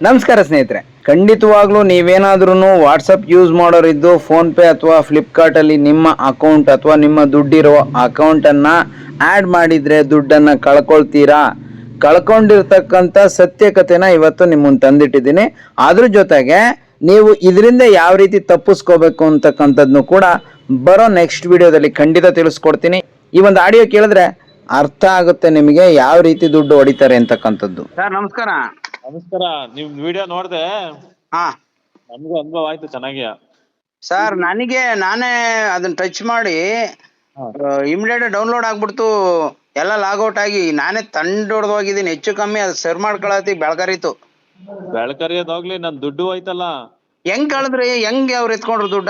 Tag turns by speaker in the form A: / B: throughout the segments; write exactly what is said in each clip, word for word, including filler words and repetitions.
A: ನಮಸ್ಕಾರ ಸ್ನೇಹಿತರೆ, ಖಂಡಿತವಾಗ್ಲೂ ನೀವೇನಾದ್ರೂ ವಾಟ್ಸಪ್ ಯೂಸ್ ಮಾಡೋರಿದ್ದು ಫೋನ್ಪೇ ಅಥವಾ ಫ್ಲಿಪ್ಕಾರ್ಟಲ್ಲಿ ನಿಮ್ಮ ಅಕೌಂಟ್ ಅಥವಾ ನಿಮ್ಮ ದುಡ್ಡಿರೋ ಅಕೌಂಟನ್ನು ಆ್ಯಡ್ ಮಾಡಿದರೆ ದುಡ್ಡನ್ನು ಕಳ್ಕೊಳ್ತೀರಾ. ಕಳ್ಕೊಂಡಿರ್ತಕ್ಕಂಥ ಸತ್ಯಕತೆನ ಇವತ್ತು ನಿಮ್ಮ ಮುಂದೆ ತಂದಿಟ್ಟಿದ್ದೀನಿ. ಅದ್ರ ಜೊತೆಗೆ ನೀವು ಇದರಿಂದ ಯಾವ ರೀತಿ ತಪ್ಪಿಸ್ಕೋಬೇಕು ಅಂತಕ್ಕಂಥದ್ದನ್ನು ಕೂಡ ಬರೋ ನೆಕ್ಸ್ಟ್ ವಿಡಿಯೋದಲ್ಲಿ ಖಂಡಿತ ತಿಳಿಸ್ಕೊಡ್ತೀನಿ. ಈ ಒಂದು ಆಡಿಯೋ ಕೇಳಿದ್ರೆ ಅರ್ಥ ಆಗುತ್ತೆ ನಿಮಗೆ ಯಾವ ರೀತಿ ದುಡ್ಡು ಹೊಡಿತಾರೆ ಅಂತಕ್ಕಂಥದ್ದು.
B: ಸರ್ ನಮಸ್ಕಾರ.
C: ನಮಸ್ಕಾರ. ನಿಮ್ ವಿಡಿಯೋ ನೋಡ್ದೆ,
B: ಹಾ
C: ನಮಗೂ ಅನುಭವ ಆಯ್ತು ಚೆನ್ನಾಗಿ.
B: ಸರ್, ನನಗೆ ನಾನೇ ಅದನ್ನ ಟಚ್ ಮಾಡಿ ಇಮಿಡಿಯೇಟ್ ಡೌನ್ಲೋಡ್ ಆಗ್ಬಿಡ್ತು, ಎಲ್ಲ ಲಾಗೌಟ್ ಆಗಿ ನಾನೇ ತಂಡೊಡ್ದೋಗಿದ್ದೀನಿ. ಹೆಚ್ಚು ಕಮ್ಮಿ ಅದು ಸರ್ ಮಾಡ್ಕೊಳತಿ ಬೆಳಕರಿತು.
C: ಬೆಳಕರಿಯೋದೋಗ್ಲಿ, ನನ್ ದುಡ್ಡು ಹೋಯ್ತಲ್ಲ.
B: ಹೆಂಗ್ ಕಳೆದ್ರಿ? ಹೆಂಗ್ ಅವ್ರು ಎತ್ಕೊಂಡ್ರು ದುಡ್ಡ?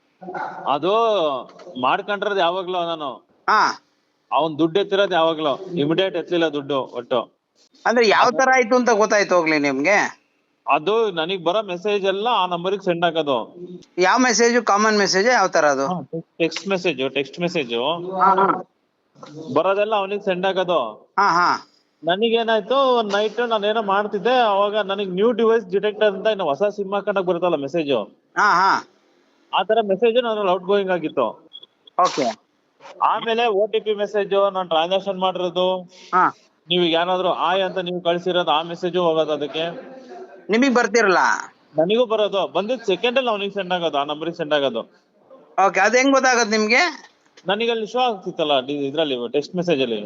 C: ಅದು ಮಾಡ್ಕೊಂಡ್ರದ್ ಯಾವಾಗ್ಲೂ ನಾನು,
B: ಹಾ
C: ಅವನ್ ದುಡ್ಡು ಎತ್ತಿರೋದ್ ಯಾವಾಗ್ಲೂ, ಇಮಿಡಿಯೇಟ್ ಎತ್ತಲಿಲ್ಲ ದುಡ್ಡು ಒಟ್ಟು.
B: ಅಂದ್ರೆ ಯಾವ ತರ ಆಯ್ತು ಅಂತ ಗೊತ್ತಾಯ್ತು ಹೋಗ್ಲಿ ನಿಮ್ಗೆ?
C: ಅದು ನನಗ್ ಬರೋ ಮೆಸೇಜ್ ಎಲ್ಲ ಆ ನಂಬರಿಗೆ ಸೆಂಡ್ ಹಾಕೋದು.
B: ಯಾವ ಮೆಸೇಜ್? Common message? ಯಾವ ತರ ಅದು?
C: ಟೆಕ್ಸ್ಟ್ ಮೆಸೇಜ್ ಟೆಕ್ಸ್ಟ್ ಮೆಸೇಜ್
B: ಹಾ ಹಾ
C: ಬರೋದೆಲ್ಲ ಅವನಿಗೆ ಸೆಂಡ್ ಹಾಕೋದು.
B: ಹಾ ಹಾ
C: ನನಗೇನಾಯ್ತು, ಒಂದ್ ನೈಟ್ ನಾನೇನೋ ಮಾಡ್ತಿದ್ದೆ, ಅವಾಗ ನನಗ್ ನ್ಯೂ ಡಿವೈಸ್ ಡಿಟೆಕ್ಟರ್ ಅಂತ ಇನ್ನು ಹೊಸ ಸಿಮ್ ಹಾಕೊಂಡಾಗ ಬರುತ್ತಲ್ಲ ಮೆಸೇಜ್,
B: ಹಾ ಹಾ
C: ಆ ತರ ಮೆಸೇಜ್ ನಾನು ಔಟ್ ಗೋಯಿಂಗ್ ಆಗಿತ್ತು.
B: ಓಕೆ.
C: ಆಮೇಲೆ ಓ ಟಿ ಪಿ ಮೆಸೇಜ್, ನಾನು ಟ್ರಾನ್ಸಾಕ್ಷನ್ ಮಾಡಿರೋದು,
B: ಹಾ
C: ನೀವು ಏನಾದ್ರು ಆಯ್ ಅಂತ ನೀವು ಕಳ್ಸಿರೋದು ಆ ಮೆಸೇಜು ಹೋಗೋದು ಅದಕ್ಕೆ.
B: ನಿಮಗ್ ಬರ್ತಿರಲ್ಲ?
C: ನನಗೂ ಬರೋದು, ಬಂದಿದ್ ಸೆಕೆಂಡ್ ಅಲ್ಲಿ ಅವನಿಗೆ ಸೆಂಡ್ ಆಗೋದು, ಆ ನಂಬರಿಗೆ ಸೆಂಡ್ ಆಗೋದು.
B: ಓಕೆ, ಅದ್ ಹೆಂಗ್ ಗೊತ್ತಾಗತ್ ನಿಮ್ಗೆ?
C: ನನಗೆ ಅಲ್ಲಿ ಶೋ ಆಗ್ತಿತ್ತಲ್ಲ ಇದ್ರಲ್ಲಿ, ಟೆಕ್ಸ್ಟ್ ಮೆಸೇಜ್ ಅಲ್ಲಿ.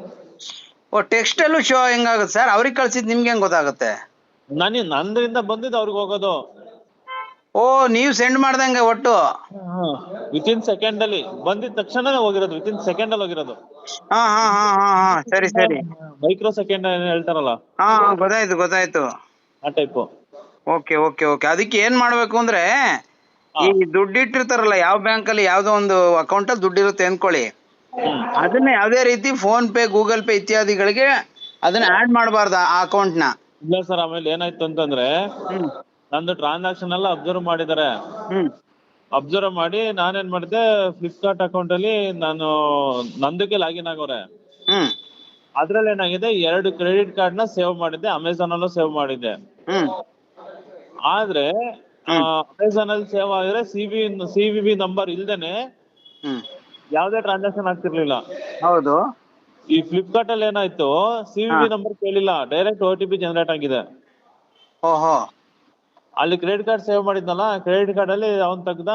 B: ಓ, ಟೆಕ್ಸ್ಟ್ ಅಲ್ಲೂ ಶೋ ಹೆಂಗಾಗುತ್ತೆ ಸರ್? ಅವ್ರಿಗೆ ಕಳ್ಸಿದ್ ನಿಮ್ಗೆ ಹೆಂಗ್ ಗೊತ್ತಾಗುತ್ತೆ?
C: ನನಗೆ ನಂದ್ರಿಂದ ಬಂದಿದ್ದು ಅವ್ರಿಗೆ ಹೋಗೋದು.
B: ಓ, ನೀವ್ ಸೆಂಡ್ ಮಾಡ್ದಂಗೆ ಒಟ್ಟು?
C: ವಿತ್ ಇನ್ ಸೆಕೆಂಡ್ ಅಲ್ಲಿ ಬಂದಿದ ತಕ್ಷಣ ಹೋಗಿರೋದು, ವಿತ್ ಇನ್ ಸೆಕೆಂಡ್ ಅಲ್ಲಿ ಹೋಗಿರೋದು.
B: ಹಾ ಹಾ ಹಾ ಹಾ ಹಾ ಸರಿ ಸರಿ.
C: ಮೈಕ್ರೋ ಸೆಕೆಂಡ್ ಹೇಳ್ತಾರಲ್ಲ,
B: ಹಾ ಗೊತ್ತಾಯ್ತು ಗೊತ್ತಾಯ್ತು.
C: ಆ ಟೈಪ್.
B: Okay okay okay. ಅದಕ್ಕೆ ಏನ್ ಮಾಡ್ಬೇಕು ಅಂದ್ರೆ, ಈ ದುಡ್ಡು ಇಟ್ಟಿರ್ತಾರಲ್ಲ ಯಾವ ಬ್ಯಾಂಕ್ ಅಲ್ಲಿ ಯಾವ್ದೋ ಒಂದು ಅಕೌಂಟ್ ಅಲ್ಲಿ ದುಡ್ಡು ಇರುತ್ತೆ ಅನ್ಕೊಳ್ಳಿ, ಅದನ್ನ ಯಾವ್ದೇ ರೀತಿ ಫೋನ್ ಪೇ, ಗೂಗಲ್ ಪೇ ಇತ್ಯಾದಿಗಳಿಗೆ ಅದನ್ನ ಆಡ್ ಮಾಡಬಾರ್ದು ಆ ಅಕೌಂಟ್ ನ.
C: ಇಲ್ಲ ಸರ್, ಆಮೇಲೆ ಏನಾಯ್ತು ಅಂತಂದ್ರೆ,
B: ಹ್ಮ್
C: ನಂದು ಟ್ರಾನ್ಸಾಕ್ಷನ್ ಎಲ್ಲ ಅಬ್ಸರ್ವ್ ಮಾಡಿದ್ದಾರೆ.
B: ಹ್ಮ್
C: ಅಬ್ಸರ್ವ್ ಮಾಡಿ ನಾನೇನ್ ಮಾಡಿದೆ, ಫ್ಲಿಪ್ಕಾರ್ಟ್ ಅಕೌಂಟ್ ಅಲ್ಲಿ ನಾನು ನಂದಕ್ಕೆ ಲಾಗಿನ್ ಆಗೋರೆ.
B: ಹ್ಮ್
C: ಅದ್ರಲ್ಲಿ ಏನಾಗಿದೆ, ಎರಡು ಕ್ರೆಡಿಟ್ ಕಾರ್ಡ್ ನ ಸೇವ್ ಮಾಡಿದ್ದೆ, ಅಮೆಝಾನ್ ಅಲ್ಲೂ ಸೇವ್ ಮಾಡಿದ್ದೆ.
B: ಹ್ಮ್
C: ಆದ್ರೆ ಅಮೆಝಾನ್ ಅಲ್ಲಿ ಸೇವ್ ಆಗಿದ್ರೆ C B C V B number ಇಲ್ದೇನೆ
B: ಹ್ಮ್
C: ಯಾವ್ದೇ ಟ್ರಾನ್ಸಾಕ್ಷನ್ ಆಗ್ತಿರ್ಲಿಲ್ಲ.
B: ಹೌದು.
C: ಈ ಫ್ಲಿಪ್ಕಾರ್ಟ್ ಅಲ್ಲಿ ಏನಾಯ್ತು, ಸಿ ವಿ ಬಿ ನಂಬರ್ ಕೇಳಿಲ್ಲ, direct O T P generate ಆಗಿದೆ.
B: ಓಹೋ.
C: ಅಲ್ಲಿ ಕ್ರೆಡಿಟ್ ಕಾರ್ಡ್ ಸೇವ್ ಮಾಡಿದ್ನಲ್ಲ, ಕ್ರೆಡಿಟ್ ಕಾರ್ಡ್ ಅಲ್ಲಿ ಅವ್ನ್ ತೆಗ್ದ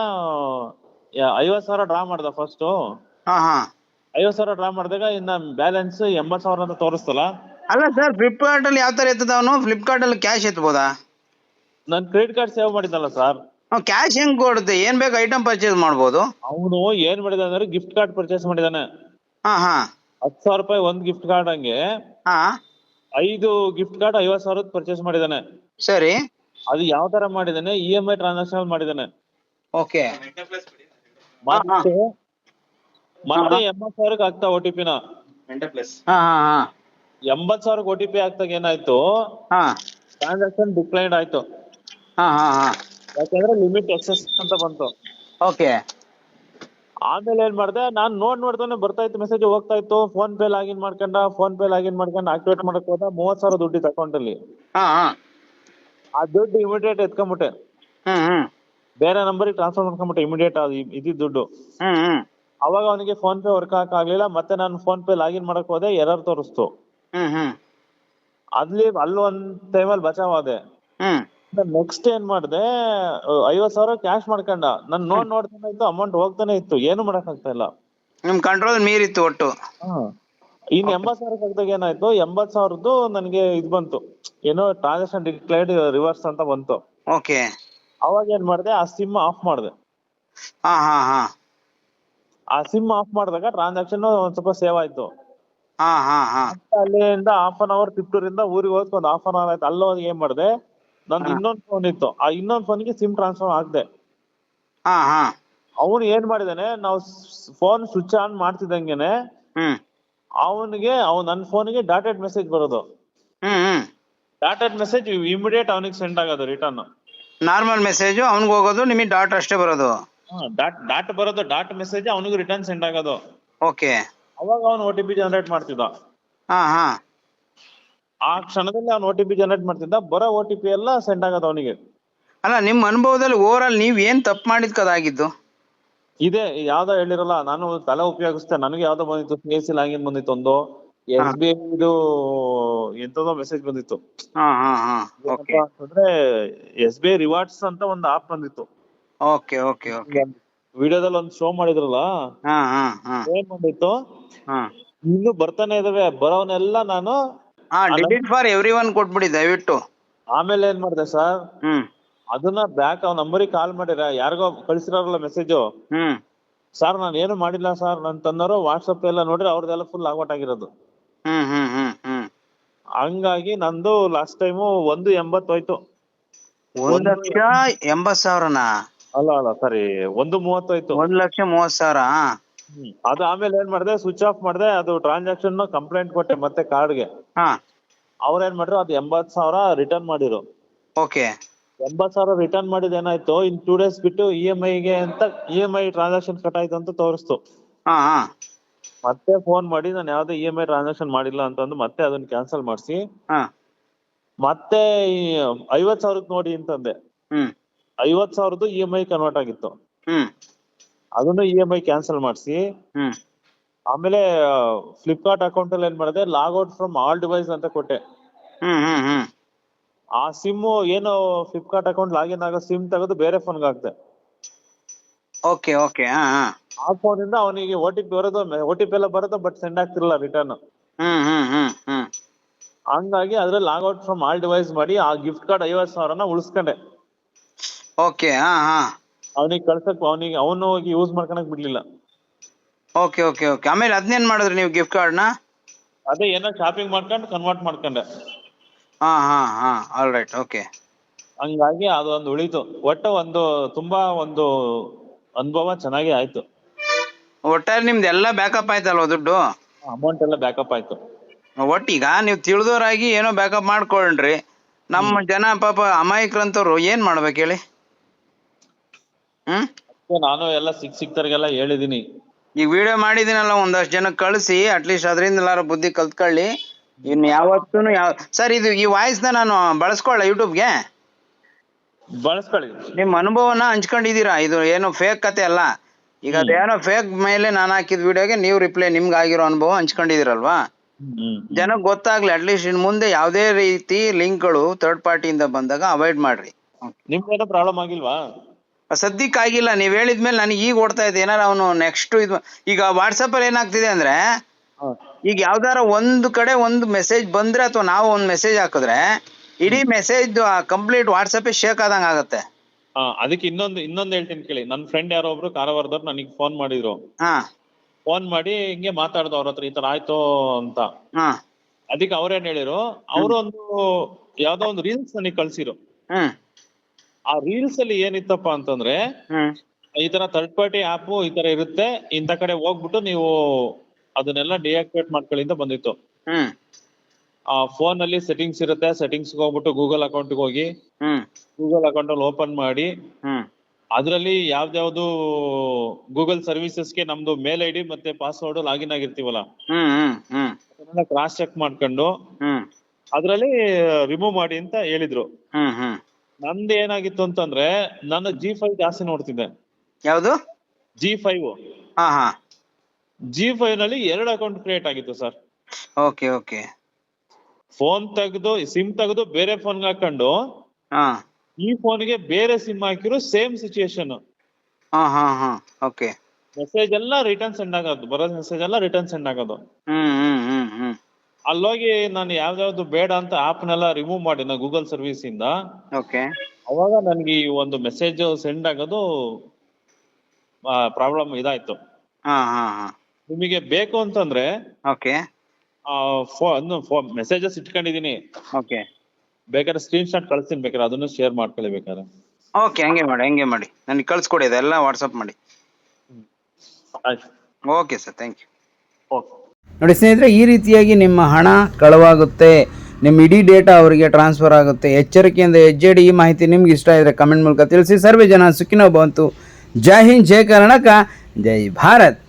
C: ಐವತ್ ಸಾವಿರ ಡ್ರಾ ಮಾಡ್ದ ಫಸ್ಟ್.
B: ಹಾ ಹಾ
C: ಐವತ್ ಸಾವಿರ ಡ್ರಾ ಮಾಡಿದಾಗ ಇನ್ನ ಬ್ಯಾಲೆನ್ಸ್ ಎಂಬತ್ ಸಾವಿರ ಅಂತ ತೋರಿಸ್ತಲ್ಲ.
B: ಅಲ್ಲ ಸರ್, ಫ್ಲಿಪ್ಕಾರ್ಟ್ ಅಲ್ಲಿ ಯಾವ ತರ ಎತ್ತದ ಅವನು? ಫ್ಲಿಪ್ಕಾರ್ಟ್ ಅಲ್ಲಿ ಕ್ಯಾಶ್ ಎತ್ಬೋದಾ?
C: ನನ್ ಕ್ರೆಡಿಟ್ ಕಾರ್ಡ್ ಸೇವ್ ಮಾಡಿದ್ನಲ್ಲ ಸರ್.
B: ಕ್ಯಾಶ್ ಹೆಂಗ್ ಕೊಡುತ್ತೆ? ಏನ್ ಬೇಕು ಐಟಮ್ ಪರ್ಚೇಸ್ ಮಾಡ್ಬೋದು.
C: ಅವನು ಏನ್ ಮಾಡಿದ ಅಂದ್ರೆ ಗಿಫ್ಟ್ ಕಾರ್ಡ್ ಪರ್ಚೇಸ್ ಮಾಡಿದಾನೆ.
B: ಹಾ ಹಾ
C: ಹತ್ತು ಸಾವಿರ ರೂಪಾಯಿ ಒಂದ್ ಗಿಫ್ಟ್ ಕಾರ್ಡ್ ಹಂಗೆ
B: ಹಾ
C: ಐದು ಗಿಫ್ಟ್ ಕಾರ್ಡ್ ಐವತ್ ಸಾವಿರದ ಪರ್ಚೇಸ್ ಮಾಡಿದಾನೆ.
B: ಸರಿ.
C: ಅದು ಯಾವ ತರ ಮಾಡಿದಾನೆ, ಇ ಎಂ ಐ ಟ್ರಾನ್ಸಾಕ್ಷನ್ ಮಾಡಿದಾನೆ.
B: ಓಕೆ.
C: ಮತ್ತೆ ಮತ್ತೆ ಎಂಬತ್ ಸಾವಿರಕ್ಕೆ ಆಗ್ತಾ ಓ ಟಿ ಪಿನ
B: ಹಾ ಹಾ ಹಾ
C: ಎಂಬತ್ ಸಾವಿರಕ್ಕೆ ಓ ಟಿ ಪಿ ಆಗ್ತಾಗ ಏನಾಯ್ತು,
B: ಹಾ
C: ಟ್ರಾನ್ಸಾಕ್ಷನ್ ಡಿಕ್ಲೈನ್ಡ್ ಆಯ್ತು.
B: ಹಾ ಹಾ ಹಾ
C: ಯಾಕಂದ್ರೆ ಲಿಮಿಟ್ ಎಕ್ಸೆಸ್ ಅಂತ ಬಂತು.
B: ಓಕೆ.
C: ಆಮೇಲೆ ಏನ್ ಮಾಡ್ದೆ, ನಾನ್ ನೋಡ್ ನೋಡ್ತಾನೆ ಬರ್ತಾ ಇತ್ತು ಮೆಸೇಜ್, ಹೋಗ್ತಾ ಇತ್ತು. ಫೋನ್ ಪೇ ಲಾಗಿನ್ ಮಾಡ್ಕೊಂಡ, ಫೋನ್ ಪೇ ಲಾಗಿನ್ ಮಾಡ್ಕೊಂಡು ಆಕ್ಟಿವೇಟ್ ಮಾಡಕ್ ಹೋದ, ಮೂವತ್ ಸಾವಿರ ದುಡ್ಡಿತ್ತು ಅಕೌಂಟ್ ಅಲ್ಲಿ.
B: ಹಾ ಹಾ
C: ಆ ದುಡ್ಡು ಇಮಿಡಿಯೇಟ್ ಎತ್ಕೊಂಡ್ಬಿಟ್ಟೆ,
B: ಹ್ಮ್ ಹ್ಮ್
C: ಬೇರೆ ನಂಬರಿಗೆ ಟ್ರಾನ್ಸ್ಫರ್ ಮಾಡ್ಕೊಂಡ್ಬಿಟ್ಟೆ ಇಮಿಡಿಯೇಟ್ ಇದ್ದಿದ್ ದುಡ್ಡು.
B: ಹ್ಮ್ ಹ್ಮ್
C: ಅವಾಗ ಅವನಿಗೆ ಫೋನ್ ಪೇ ವರ್ಕ್ ಹಾಕ್ ಆಗ್ಲಿಲ್ಲ. ಮತ್ತೆ ನಾನು ಫೋನ್ ಪೇ ಲಾಗಿನ್ ಮಾಡಕ್ ಹೋದೆ, ಎರರ್ ತೋರಿಸ್ತು.
B: ಹ್ಮ್ ಹ್ಮ್
C: ಅಲ್ಲಿ ಅಲ್ಲಿ ಒಂದ್ ಟೈಮಲ್ಲಿ ಬಚಾವ್ ಆದೆ.
B: ಹ್ಮ್
C: ನೆಕ್ಸ್ಟ್ ಏನ್ ಮಾಡ್ದೆ, ಐವತ್ ಸಾವಿರ ಕ್ಯಾಶ್ ಮಾಡ್ಕೊಂಡ. ನನ್ ನೋಡ್ ನೋಡ್ತಾನೆ ಇತ್ತು, ಅಮೌಂಟ್ ಹೋಗ್ತಾನೆ ಇತ್ತು, ಏನು ಮಾಡಕ್ ಆಗ್ತಾ ಇಲ್ಲ.
B: ನಿಮ್ ಕಂಟ್ರೋಲ್ ಮೀರಿತ್ತು ಒಟ್ಟು.
C: ಇನ್ ಎಂಬತ್ ಸಾವಿರ ಕಗ್ದಾಗ ಏನಾಯ್ತು, ಎಂಬತ್ ಸಾವಿರದ್ದು ನನ್ಗೆ ಇದ್ ಬಂತು, ಏನೋ ಟ್ರಾನ್ಸಾಕ್ಷನ್ ಡಿಕ್ಲೈರ್ಡ್ ರಿವರ್ಸ್ ಅಂತ ಬಂತು.
B: ಓಕೆ.
C: ಅವಾಗ ಏನ್ ಮಾಡ್ದೆ, ಆ ಸಿಮ್ ಆಫ್ ಮಾಡ್ದೆ.
B: ಹಾ ಹಾ ಹಾ
C: ಆ ಸಿಮ್ ಆಫ್ ಮಾಡಿದಾಗ ಟ್ರಾನ್ಸಾಕ್ಷನ್ ಒಂದ್ ಸ್ವಲ್ಪ ಸೇವ್ ಆಯ್ತು.
B: ಹಾ ಹಾ ಹಾ
C: ಅಲ್ಲಿಂದ ಹಾಫ್ ಅನ್ ಅವರ್ ತಿಪ್ಟೂರಿಂದ ಊರಿಗೆ ಹೋದ್ ಒಂದ್ ಹಾಫ್ ಅನ್ ಅವರ್ ಆಯ್ತು. ಅಲ್ಲೋಗಿ ಏನ್ ಮಾಡ್ದೆ, ನಂದು ಇನ್ನೊಂದ್ ಫೋನ್ ಇತ್ತು, ಆ ಇನ್ನೊಂದ್ ಫೋನ್ಗೆ ಸಿಮ್ ಟ್ರಾನ್ಸ್ಫರ್ ಆಗ್ದೆ.
B: ಹಾ ಹಾ
C: ಅವನು ಏನ್ ಮಾಡಿದಾನೆ, ನಾವು ಫೋನ್ ಸ್ವಿಚ್ ಆನ್ ಮಾಡ್ತಿದಂಗೆನೆ
B: ಹ್ಮ್
C: ಅವನಿಗೆ ಅವ್ ನನ್ ಫೋನ್ಗೆ ಡಾಟೆಡ್ ಮೆಸೇಜ್ ಬರೋದು.
B: ಹ್ಮ್ ಹ್ಮ್
C: ಡಾಟೆಡ್ ಮೆಸೇಜ್ ಇಮಿಡಿಯೇಟ್ ಅವನಿಗೆ ಸೆಂಡ್ ಆಗೋದು ರಿಟರ್ನ್.
B: ನಾರ್ಮಲ್ ಮೆಸೇಜ್ ಅವ್ನಿಗೆ ಹೋಗೋದು, ನಿಮಗೆ ಡಾಟ್ ಅಷ್ಟೇ ಬರೋದು.
C: ಡಾಟ್ ಡಾಟ್ ಬರೋದು, ಡಾಟ್ ಮೆಸೇಜ್ ಅವನಿಗೂ ರಿಟರ್ನ್ ಸೆಂಡ್ ಆಗೋದು.
B: ಓಕೆ.
C: ಅವಾಗ ಅವನು ಓ ಟಿ ಪಿ ಜನರೇಟ್ ಮಾಡ್ತಿದ್ದ.
B: ಹಾ ಹಾ
C: ಆ ಕ್ಷಣದಲ್ಲಿ ಅವ್ನು ಓ ಟಿ ಪಿ ಜನರೇಟ್ ಮಾಡ್ತಿದ್ದ, ಬರೋ ಓ ಟಿ ಪಿ ಎಲ್ಲ ಸೆಂಡ್ ಆಗೋದು ಅವನಿಗೆ.
B: ಅಲ್ಲ ನಿಮ್ಮ ಅನುಭವದಲ್ಲಿ ಓವರ್ ಆಲ್ ನೀವ್ ಏನ್ ತಪ್ಪು ಮಾಡಿದ್ಕದಾಗಿದ್ದು?
C: ಇದೇ ಯಾವ್ದೋ ಹೇಳಿರಲ್ಲ, ನಾನು ತಲೆ ಉಪಯೋಗಿಸ್ತೆ, ನನಗೆ ಯಾವ್ದೋ ಬಂದಿತ್ತು, ಸಿ ಎಸ್ ಸಿ ಲಾಗಿನ್ ಬಂದಿತ್ತು, ಒಂದು ಎಸ್ ಬಿ ಐ ಇದು ಎಂತದೋ ಮೆಸೇಜ್ ಬಂದಿತ್ತು.
B: ಹಾ ಹಾ ಹಾ ಓಕೆ
C: ಅಂತಂದ್ರೆ ಎಸ್ ಬಿ ಐ ರಿವಾರ್ಡ್ಸ್ ಅಂತ ಒಂದು ಆಪ್ ಬಂದಿತ್ತು.
B: ಓಕೆ ಓಕೆ ಓಕೆ
C: ವಿಡಿಯೋದಲ್ಲಿ ಒಂದು ಶೋ ಮಾಡಿದ್ರಲ್ಲ,
B: ಹಾ ಹಾ ಹಾ
C: ಏನ್ ಬಂದಿತ್ತು,
B: ಹಾ
C: ಇನ್ನು ಬರ್ತಾನೆ ಇದಾವೆ, ಬರೋವನ್ನೆಲ್ಲ ನಾನು
B: ಹಾ ಡಿಲೀಟ್ ಫಾರ್ ಎವ್ರಿ ಒನ್ ಕೊಟ್ಬಿಡಿ ದಯವಿಟ್ಟು.
C: ಆಮೇಲೆ ಏನ್ ಮಾಡಿದೆ ಸರ್,
B: ಹ್ಮ್
C: ಅದನ್ನ ಬ್ಯಾಕ್ ಅವ್ನ ನಂಬರಿಗೆ ಕಾಲ್ ಮಾಡಿರ, ಯಾರಿಗೋ ಕಳ್ಸಿರಲ್ಲ ಮೆಸೇಜು,
B: ಹ್ಮ್
C: ಸರ್ ನಾನು ಏನು ಮಾಡಿಲ್ಲ ಸರ್ ನನ್ ತಂದವರು, ವಾಟ್ಸಪ್ ಎಲ್ಲ ನೋಡ್ರಿ ಅವ್ರದ್ದೆಲ್ಲ ಫುಲ್ ಲಾಗೌಟ್ ಆಗಿರೋದು.
B: ಹ್ಮ್ ಹ್ಮ್ ಹ್ಮ್ ಹ್ಮ್
C: ಹಂಗಾಗಿ ನಂದು ಲಾಸ್ಟ್ ಟೈಮು ಒಂದು ಎಂಬತ್ತು ಹೋಯ್ತು.
B: ಒಂದ್ ಲಕ್ಷ ಎಂಬತ್ ಸಾವಿರನಾ?
C: ಅಲ್ಲ ಅಲ್ಲ ಸಾರಿ, ಒಂದು ಮೂವತ್ತು ಹೋಯ್ತು.
B: ಒಂದ್ ಲಕ್ಷ ಮೂವತ್ ಸಾವಿರ.
C: ಹ್ಮ್ ಅದು ಆಮೇಲೆ ಏನ್ ಮಾಡಿದೆ, ಸ್ವಿಚ್ ಆಫ್ ಮಾಡಿದೆ, ಅದು ಟ್ರಾನ್ಸಾಕ್ಷನ್ ಕಂಪ್ಲೇಂಟ್ ಕೊಟ್ಟೆ ಮತ್ತೆ ಕಾರ್ಡ್ಗೆ.
B: ಹಾ
C: ಅವ್ರ ಏನ್ ಮಾಡ್ರು, ಅದು ಎಂಬತ್ ಸಾವಿರ ರಿಟರ್ನ್ ಮಾಡಿರು.
B: ಓಕೆ
C: ಎಂಬತ್ ಸಾವಿರ ರಿಟರ್ನ್ ಮಾಡಿದ ಏನಾಯ್ತು, ಇನ್ ಟೂ ಡೇಸ್ ಬಿಟ್ಟು ಇ ಎಂ ಐಗೆ ಅಂತ E M I transaction cut ಆಯ್ತು ಅಂತ ತೋರಿಸ್ತು.
B: ಹಾ ಹಾ
C: ಮತ್ತೆ ಫೋನ್ ಮಾಡಿ ನಾನು ಯಾವ್ದೇ ಇ ಎಂ ಐ ಟ್ರಾನ್ಸಾಕ್ಷನ್ ಮಾಡಿಲ್ಲ ಅಂತಂದು ಮತ್ತೆ ಅದನ್ನ ಕ್ಯಾನ್ಸಲ್ ಮಾಡಿಸಿ,
B: ಹಾ
C: ಮತ್ತೆ ಈ ಐವತ್ ಸಾವಿರಕ್ಕೆ ನೋಡಿ ಅಂತಂದೆ.
B: ಹ್ಮ್
C: ಐವತ್ ಸಾವಿರದ್ದು ಇ ಎಂ ಐ ಕನ್ವರ್ಟ್ ಆಗಿತ್ತು,
B: ಹ್ಮ್
C: ಅದನ್ನು ಇ ಎಂ ಐ ಕ್ಯಾನ್ಸಲ್ ಮಾಡಿಸಿ,
B: ಹ್ಮ್
C: ಆಮೇಲೆ ಫ್ಲಿಪ್ಕಾರ್ಟ್ ಅಕೌಂಟ್ ಅಲ್ಲಿ ಏನ್ ಮಾಡಿದೆ, ಲಾಗ್ಔಟ್ ಫ್ರಮ್ ಆಲ್ ಡಿವೈಸ್ ಅಂತ ಕೊಟ್ಟೆ.
B: ಹ್ಮ್ ಹ್ಮ್ ಹ್ಮ್
C: ಆ ಸಿಮ್ ಏನು ಫ್ಲಿಪ್ಕಾರ್ಟ್ ಅಕೌಂಟ್ ಲಾಗಿನ್ ಆಗೋ ಸಿಮ್ ತೆಗೆದು ಬೇರೆ ಫೋನ್ಗೆ ಹಾಕ್ದೆ.
B: ಓಕೆ ಓಕೆ ಹಾ ಹಾ
C: ಆ ಫೋನ್ ಇಂದ ಅವನಿಗೆ ಓ ಟಿ ಪಿ ಬರೋದು, ಓ ಟಿ ಪಿ ಎಲ್ಲ ಬರೋದು, ಬಟ್ ಸೆಂಡ್ ಆಗ್ತಿರಲ್ಲ ರಿಟರ್ನ್.
B: ಹ್ಮ್ ಹ್ಮ್ ಹ್ಮ್ ಹ್ಮ್
C: ಹಂಗಾಗಿ ಅದ್ರಲ್ಲಿ ಲಾಗ್ಔಟ್ ಫ್ರಮ್ ಆಲ್ ಡಿವೈಸ್ ಮಾಡಿ ಆ ಗಿಫ್ಟ್ ಕಾರ್ಡ್ ಐವತ್ ಸಾವಿರನ ಉಳಿಸ್ಕೊಂಡೆ.
B: ಓಕೆ ಹಾ ಹಾ
C: ಅವನಿಗೆ ಕಳ್ಸಕ್, ಅವನಿಗೆ ಅವನು ಹೋಗಿ ಯೂಸ್ ಮಾಡ್ಕೊಳಕ್ ಬಿಡ್ಲಿಲ್ಲ.
B: ಓಕೆ ಓಕೆ ಓಕೆ ಆಮೇಲೆ ಅದನ್ನೇನ್ ಮಾಡಿದ್ರಿ ನೀವು ಗಿಫ್ಟ್ ಕಾರ್ಡ್ನ?
C: ಅದೇ ಏನೋ ಶಾಪಿಂಗ್ ಮಾಡ್ಕೊಂಡು ಕನ್ವರ್ಟ್ ಮಾಡ್ಕೊಂಡೆ.
B: ಹಾ ಹಾ ಹಾ ಆಲ್ ರೈಟ್ ಓಕೆ.
C: ಹಂಗಾಗಿ ಅದೊಂದು ಉಳಿತು. ಒಟ್ಟು ಒಂದು ತುಂಬಾ ಒಂದು ಅನುಭವ ಚೆನ್ನಾಗಿ ಆಯ್ತು.
B: ಒಟ್ಟಾರೆ ನಿಮ್ದು ಎಲ್ಲ ಬ್ಯಾಕಪ್ ಆಯ್ತಲ್ವ ದುಡ್ಡು?
C: ಅಮೌಂಟ್ ಎಲ್ಲ ಬ್ಯಾಕಪ್ ಆಯ್ತು.
B: ಒಟ್ಟೀಗ ನೀವು ತಿಳಿದೋರಾಗಿ ಏನೋ ಬ್ಯಾಕಪ್ ಮಾಡ್ಕೊಂಡ್ರಿ, ನಮ್ಮ ಜನ ಪಾಪ ಅಮಾಯಕರಂತವ್ರು ಏನ್ ಮಾಡ್ಬೇಕು ಹೇಳಿ? ಹ್ಮ್
C: ನಾನು ಎಲ್ಲ ಸಿಕ್ ಸಿಕ್ತರಿಗೆಲ್ಲ ಹೇಳಿದೀನಿ.
B: ಈಗ ವಿಡಿಯೋ ಮಾಡಿದಿನಲ್ಲ, ಒಂದಷ್ಟು ಜನಕ್ಕೆ ಕಳಿಸಿ, ಅಟ್ಲೀಸ್ಟ್ ಅದರಿಂದ ಎಲ್ಲಾರು ಬುದ್ಧಿ ಕಲ್ತ್ಕೊಳ್ಳಿ. ಇನ್ ಯಾವತ್ತೂ ಯಾವ ಸರ್ ಇದು ಈ ವಾಯ್ಸ್ ನ ನಾನು ಬಳಸ್ಕೊಳ್ಳ ಯೂಟ್ಯೂಬ್ಗೆ?
C: ಬಳಸ್ಕೊಳ್ಳಿ.
B: ನಿಮ್ ಅನುಭವನ ಹಂಚ್ಕೊಂಡಿದೀರಾ, ಇದು ಏನು ಫೇಕ್ ಕತೆ ಅಲ್ಲ. ಈಗ ಅದೇನೋ ಫೇಕ್ ಮೇಲೆ ನಾನು ಹಾಕಿದ ವಿಡಿಯೋಗೆ ನೀವು ರಿಪ್ಲೈ, ನಿಮ್ಗೆ ಆಗಿರೋ ಅನುಭವ ಹಂಚ್ಕೊಂಡಿದಿರಲ್ವಾ? ಜನಕ್ಕೆ ಗೊತ್ತಾಗ್ಲಿ, ಅಟ್ಲೀಸ್ಟ್ ಇನ್ ಮುಂದೆ ಯಾವುದೇ ರೀತಿ ಲಿಂಕ್ಗಳು ಥರ್ಡ್ ಪಾರ್ಟಿಯಿಂದ ಬಂದಾಗ ಅವಾಯ್ಡ್ ಮಾಡ್ರಿ.
C: ನಿಮ್ಗೇನೋ ಪ್ರಾಬ್ಲಮ್ ಆಗಿಲ್ವಾ?
B: ಸದ್ಯಕ್ಕೆ ಆಗಿಲ್ಲ, ನೀವ್ ಹೇಳಿದ್ಮೇಲೆ ನನಗೆ ಈಗ ಓಡ್ತಾ ಇದೆ. ಏನಾರ ಅವನು ನೆಕ್ಸ್ಟ್ ಇದು ಈಗ ವಾಟ್ಸಪ್ ಅಲ್ಲಿ ಏನಾಗ್ತಿದೆ ಅಂದ್ರೆ, ಈಗ ಯಾವ್ದಾರ ಒಂದು ಕಡೆ ಒಂದು ಮೆಸೇಜ್ ಬಂದ್ರೆ ಅಥವಾ ನಾವು ಒಂದು ಮೆಸೇಜ್ ಹಾಕಿದ್ರೆ ಇಡೀ ಮೆಸೇಜ್ ಕಂಪ್ಲೀಟ್ ವಾಟ್ಸಪ್ ಶೇಕ್ ಆದಂಗ ಆಗತ್ತೆ.
C: ಹಾ, ಅದಕ್ಕೆ ಇನ್ನೊಂದು ಇನ್ನೊಂದು ಹೇಳ್ತೀನಿ ಕೇಳಿ. ನನ್ನ ಫ್ರೆಂಡ್ ಯಾರೋ ಒಬ್ರು ಕಾರವಾರದವ್ರು ನನಗೆ ಫೋನ್ ಮಾಡಿದ್ರು.
B: ಹಾ
C: ಫೋನ್ ಮಾಡಿ ಹಿಂಗೆ ಮಾತಾಡ್ದು ಅವ್ರ ಹತ್ರ, ಈ ತರ ಆಯ್ತು ಅಂತ.
B: ಹಾ
C: ಅದಕ್ಕೆ ಅವ್ರೇನ್ ಹೇಳಿರು, ಅವರು ಒಂದು ಯಾವ್ದೋ ಒಂದು ರೀಲ್ಸ್ ನನಗೆ ಕಳ್ಸಿರು.
B: ಹ್ಮ್
C: ಆ ರೀಲ್ಸ್ ಅಲ್ಲಿ ಏನಿತ್ತಪ್ಪ ಅಂತಂದ್ರೆ,
B: ಹ್ಮ್
C: ಈ ತರ ಥರ್ಡ್ ಪಾರ್ಟಿ ಆಪ್ ಈ ತರ ಇರುತ್ತೆ, ಇಂಥ ಕಡೆ ಹೋಗ್ಬಿಟ್ಟು ನೀವು ಅದನ್ನೆಲ್ಲ ಡಿಆಕ್ಟಿವೇಟ್ ಮಾಡ್ಕೊಳ್ಳಿ ಅಂತ ಬಂದಿತ್ತು.
B: ಹ್ಮ್
C: ಆ ಫೋನ್ ಅಲ್ಲಿ ಸೆಟ್ಟಿಂಗ್ಸ್ ಇರುತ್ತೆ, ಸೆಟ್ಟಿಂಗ್ಸ್ ಹೋಗ್ಬಿಟ್ಟು ಗೂಗಲ್ ಅಕೌಂಟ್ ಹೋಗಿ
B: ಹ್ಮ್
C: ಗೂಗಲ್ ಅಕೌಂಟ್ ಅಲ್ಲಿ ಓಪನ್ ಮಾಡಿ,
B: ಹ್ಮ್
C: ಅದ್ರಲ್ಲಿ ಯಾವ್ದ್ಯಾವ್ದು ಗೂಗಲ್ ಸರ್ವಿಸಸ್ಗೆ ನಮ್ದು ಮೇಲ್ ಐ ಡಿ ಮತ್ತೆ ಪಾಸ್ವರ್ಡ್ ಲಾಗಿನ್ ಆಗಿರ್ತೀವಲ್ಲ,
B: ಹ್ಮ್ ಹ್ಮ್ ಹ್ಮ್
C: ಅದನ್ನ ಕ್ರಾಸ್ ಚೆಕ್ ಮಾಡ್ಕೊಂಡು
B: ಹ್ಮ್
C: ಅದ್ರಲ್ಲಿ ರಿಮೂವ್ ಮಾಡಿ ಅಂತ ಹೇಳಿದ್ರು.
B: ಹ್ಮ್ ಹ್ಮ್
C: ನಂದು ಏನಾಗಿತ್ತು ಅಂತಂದ್ರೆ, ನಾನು ಜಿ ಫೈವ್ ಜಾಸ್ತಿ ನೋಡ್ತಿದ್ದೆ.
B: ಯಾವುದು?
C: G five.
B: ಹಾ ಹಾ
C: ಜಿ ಫೈವ್ ನಲ್ಲಿ ಎರಡು ಅಕೌಂಟ್ ಕ್ರಿಯೇಟ್ ಆಗಿತ್ತು ಸರ್.
B: ಓಕೆ ಓಕೆ
C: ಫೋನ್ ತೆಗೆದು ಸಿಮ್ ತೆಗೆದು ಬೇರೆ ಫೋನ್ಗೆ ಹಾಕೊಂಡು,
B: ಹಾ
C: ಈ ಫೋನ್ಗೆ ಬೇರೆ ಸಿಮ್ ಹಾಕಿರೋ ಸೇಮ್ ಸಿಚುಯೇಷನ್.
B: ಹಾ ಹಾ ಹಾ ಓಕೆ
C: ಮೆಸೇಜ್ ಎಲ್ಲ ರಿಟರ್ನ್ ಸೆಂಡ್ ಆಗೋದು, ಬರೋ ಮೆಸೇಜ್ ಎಲ್ಲ ರಿಟರ್ನ್ ಸೆಂಡ್ ಆಗೋದು.
B: ಹ್ಮ್ ಹ್ಮ್ ಹ್ಮ್ ಹ್ಮ್
C: ಅಲ್ಲೋಗಿ ನಾನು ಯಾವ್ದಾವ್ದು ಬೇಡ ಅಂತ ಆಪ್ನೆಲ್ಲ ರಿಮೂವ್ ಮಾಡಿ ನಾ ಗೂಗಲ್ ಸರ್ವಿಸ್ ಇಂದ,
B: ಓಕೆ
C: ಅವಾಗ ನನ್ಗೆ ಈ ಒಂದು ಮೆಸೇಜ್ ಸೆಂಡ್ ಆಗೋದು ಪ್ರಾಬ್ಲಮ್ ಇದಾಯ್ತು.
B: ಹಾ ಹಾ ಹಾ
C: ನಿಮಗೆ ಬೇಕು ಅಂತಂದ್ರೆ
B: ಓಕೆ
C: ಫೋನ್ ಮೆಸೇಜಸ್ ಇಟ್ಕೊಂಡಿದೀನಿ,
B: ಓಕೆ
C: ಬೇಕಾದ್ರೆ ಸ್ಕ್ರೀನ್ ಶಾಟ್ ಕಳಿಸ್ತೀನಿ, ಬೇಕಾದ್ರೆ ಅದನ್ನು ಶೇರ್ ಮಾಡ್ಕೊಳ್ಳಿ ಬೇಕಾದ್ರೆ.
B: ಓಕೆ ಹಂಗೆ ಮಾಡಿ ಹಂಗೆ ಮಾಡಿ ನನಗೆ ಕಳ್ಸ್ಕೊಡಿ, ಅದೆಲ್ಲ ವಾಟ್ಸಪ್ ಮಾಡಿ.
C: ಆಯ್ತು,
B: okay sir, thank you.
C: Okay.
A: ನೋಡಿ ಸ್ನೇಹಿತರೆ, ಈ ರೀತಿಯಾಗಿ ನಿಮ್ಮ ಹಣ ಕಳವಾಗುತ್ತೆ, ನಿಮ್ಮ ಇಡೀ ಡೇಟಾ ಅವರಿಗೆ ಟ್ರಾನ್ಸ್ಫರ್ ಆಗುತ್ತೆ. ಎಚ್ಚರಿಕೆಯಿಂದ ಹೆಜ್ಜೆಡಿ. ಈ ಮಾಹಿತಿ ನಿಮ್ಗೆ ಇಷ್ಟ ಇದ್ದರೆ ಕಮೆಂಟ್ ಮೂಲಕ ತಿಳಿಸಿ. ಸರ್ವೇ ಜನ ಸುಖಿನೋ ಭವಂತು. ಜೈ ಹಿಂದ್, ಜೈ ಕರ್ನಾಟಕ, ಜೈ ಭಾರತ್.